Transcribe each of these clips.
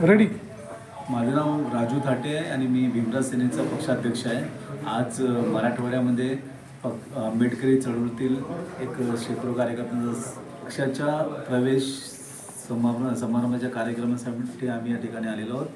Ready. माझं नाव राजू थाटे आहे आणि मी भीमराज सेनेचा पक्षाध्यक्ष आहे. आज मराठवाड्यामध्ये आंबेडकरी चळवळीतील एक शेकडो कार्यकर्त्यांचा पक्षाच्या प्रवेश समारंभाच्या कार्यक्रमासाठी आम्ही या ठिकाणी आलेलो आहोत.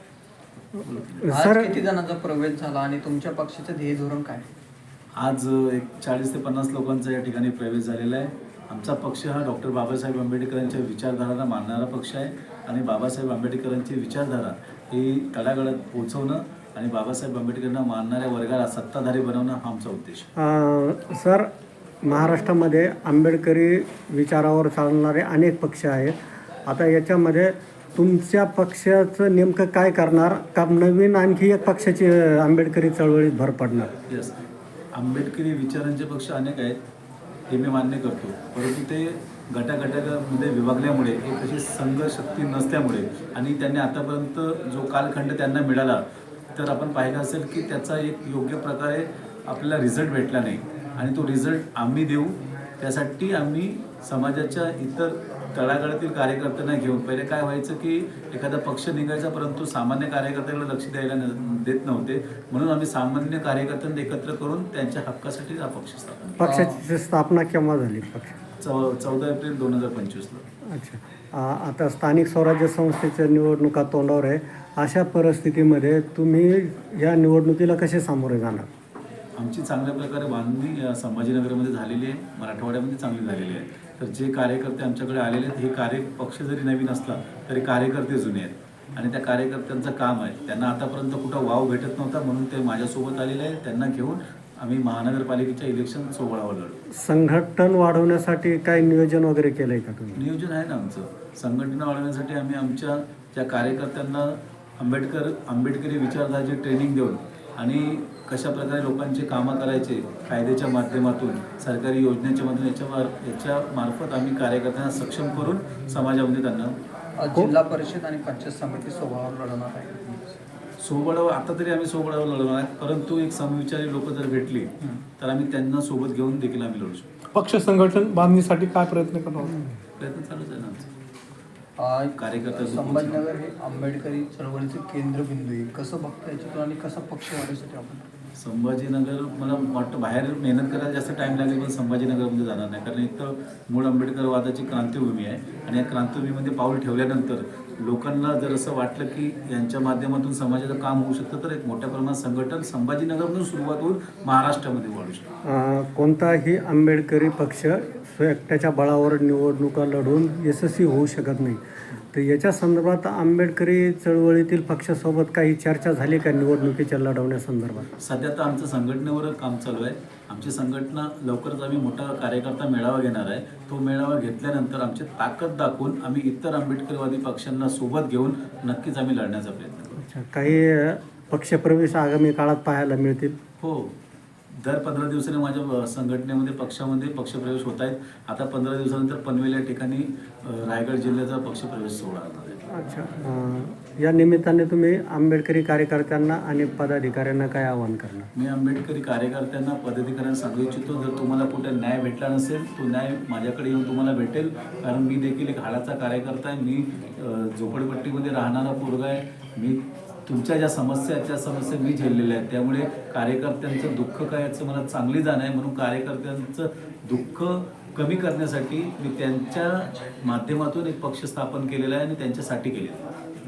आज किती जणांचा प्रवेश झाला आणि तुमच्या पक्षाचं ध्येय धोरण काय? आज एक 40 ते 50 लोकांचा या ठिकाणी प्रवेश झालेला आहे. आमचा पक्ष हा डॉक्टर बाबासाहेब आंबेडकरांच्या विचारधारांना मानणारा पक्ष आहे आणि बाबासाहेब आंबेडकरांची विचारधारा ही तळागाळात पोहोचवणं आणि बाबासाहेब आंबेडकरांना मानणाऱ्या वर्गाला सत्ताधारी बनवणं हा आमचा उद्देश आहे. सर, महाराष्ट्रामध्ये आंबेडकरी विचारावर चालणारे अनेक पक्ष आहेत. आता याच्यामध्ये तुमच्या पक्षाचं नेमकं काय करणार का नवीन आणखी एक पक्षाची आंबेडकरी चळवळीत भर पडणार? येस, आंबेडकरी विचारांचे पक्ष अनेक आहेत हे मी मान्य करतो, परंतु ते गटागटामध्ये विभागल्यामुळे एक अशी संघ शक्ती नसल्यामुळे आणि त्यांनी आतापर्यंत जो कालखंड त्यांना मिळाला तर आपण पाहिलं असेल की त्याचा एक योग्य प्रकारे आपल्याला रिझल्ट भेटला नाही आणि तो रिझल्ट आम्ही देऊ. त्यासाठी आम्ही समाजाच्या इतर तळागाळातील कार्यकर्त्यांना घेऊन, पहिले काय व्हायचं की एखादा पक्ष निघायचा परंतु सामान्य कार्यकर्त्याला लक्ष द्यायला देत नव्हते, म्हणून आम्ही सामान्य कार्यकर्त्यांना एकत्र करून त्यांच्या हक्कासाठी हा पक्ष स्थापन केला. पक्षाची स्थापना केव्हा झाली? पक्ष 14 एप्रिल 2025ला. अच्छा. आता स्थानिक स्वराज्य संस्थेच्या निवडणुका तोंडावर आहे. अशा परिस्थितीमध्ये तुम्ही या निवडणुकीला कसे सामोरे जाणार? आमची चांगल्या प्रकारे बांधणी संभाजीनगरमध्ये झालेली आहे, मराठवाड्यामध्ये चांगली झालेली आहे. तर जे कार्यकर्ते आमच्याकडे आलेले आहेत हे पक्ष जरी नवीन असला तरी कार्यकर्ते जुने आहेत आणि त्या कार्यकर्त्यांचं काम आहे. त्यांना आतापर्यंत कुठं वाव भेटत नव्हता म्हणून ते माझ्यासोबत आलेले आहेत. त्यांना घेऊन आम्ही महानगरपालिकेच्या इलेक्शन सोहळ्यावर लढू. संघटन वाढवण्यासाठी काही नियोजन वगैरे केलं आहे का तुम्ही? नियोजन आहे ना आमचं. संघटन वाढवण्यासाठी आम्ही आमच्या ज्या कार्यकर्त्यांना आंबेडकरी विचारधाराची ट्रेनिंग देऊन आणि कशा प्रकारे लोकांचे कामं करायचे कायद्याच्या माध्यमातून, सरकारी योजनेच्या माध्यमातून याच्या मार्फत आम्ही कार्यकर्त्यांना सक्षम करून समाजामध्ये त्यांना जिल्हा परिषद आणि पंचायत समिती सोहळ्यावर लढवणार आहे. सोबळावर आता तरी आम्ही सोबळावर लढवणार आहे, परंतु एक समविचारी लोक जर भेटली तर आम्ही त्यांना सोबत घेऊन देखील आम्ही लढू शकतो. पक्ष संघटन बांधणीसाठी काय प्रयत्न करणार? प्रयत्न चालूच आहे ना आमचा. कार्यकर्ते संभाजीनगर हे आंबेडकरी चळवळीचे केंद्रबिंदू आहे. कसं बघता याच्यातून आणि कसा पक्ष वाढवण्यासाठी आपण? संभाजीनगर मला वाटतं बाहेर मेहनत करायला जास्त टाईम लागेल पण संभाजीनगरमध्ये जाणार नाही, कारण एक तर मूळ आंबेडकरवादाची क्रांतिभूमी आहे आणि या क्रांतिभूमीमध्ये पाऊल ठेवल्यानंतर लोकांना जर असं वाटलं की यांच्या माध्यमातून समाजाचं काम होऊ शकतं तर एक मोठ्या प्रमाणात संघटन संभाजीनगरमधून सुरुवात होऊन महाराष्ट्रामध्ये वाढू शकतं. कोणताही आंबेडकरी पक्ष एकट्याच्या बळावर निवडणुका लढून यशस्वी होऊ शकत नाही. तर याच्या संदर्भात आंबेडकरी चळवळीतील पक्षासोबत काही चर्चा झाली का निवडणुकीच्या लढवण्यासंदर्भात? सध्या तर आमचं संघटनेवर काम चालू आहे. आमची संघटना लवकरच आम्ही मोठा कार्यकर्ता मेळावा घेणार आहे. तो मेळावा घेतल्यानंतर आमची ताकद दाखवून आम्ही इतर आंबेडकरवादी पक्षांना सोबत घेऊन नक्कीच आम्ही लढण्याचा प्रयत्न करू. अच्छा, काही पक्षप्रवेश आगामी काळात पाहायला मिळतील? हो, दर 15 दिवसांनी माझ्या संघटनेमध्ये पक्षामध्ये पक्षप्रवेश होत आहेत. आता 15 दिवसानंतर पनवेल या ठिकाणी रायगड जिल्ह्याचा पक्षप्रवेश सोहळा होणार आहे. अच्छा. या निमित्ताने तुम्ही आंबेडकरी कार्यकर्त्यांना आणि पदाधिकाऱ्यांना काय आवाहन करणार? मी आंबेडकरी कार्यकर्त्यांना पदाधिकाऱ्यांना सांगू इच्छितो, जर तुम्हाला कुठे न्याय भेटला नसेल तो न्याय माझ्याकडे येऊन तुम्हाला भेटेल, कारण मी देखील एक हाडाचा कार्यकर्ता आहे. मी झोपडपट्टीमध्ये राहणारा पोरगा आहे. मी तुमच्या ज्या समस्या आहेत त्या समस्या मी झेललेल्या आहेत, त्यामुळे कार्यकर्त्यांचं दुःख काय याचं मला चांगली जाण आहे. म्हणून कार्यकर्त्यांचं दुःख कमी करण्यासाठी मी त्यांच्या माध्यमातून एक पक्ष स्थापन केलेला आहे आणि त्यांच्यासाठी केलेला आहे.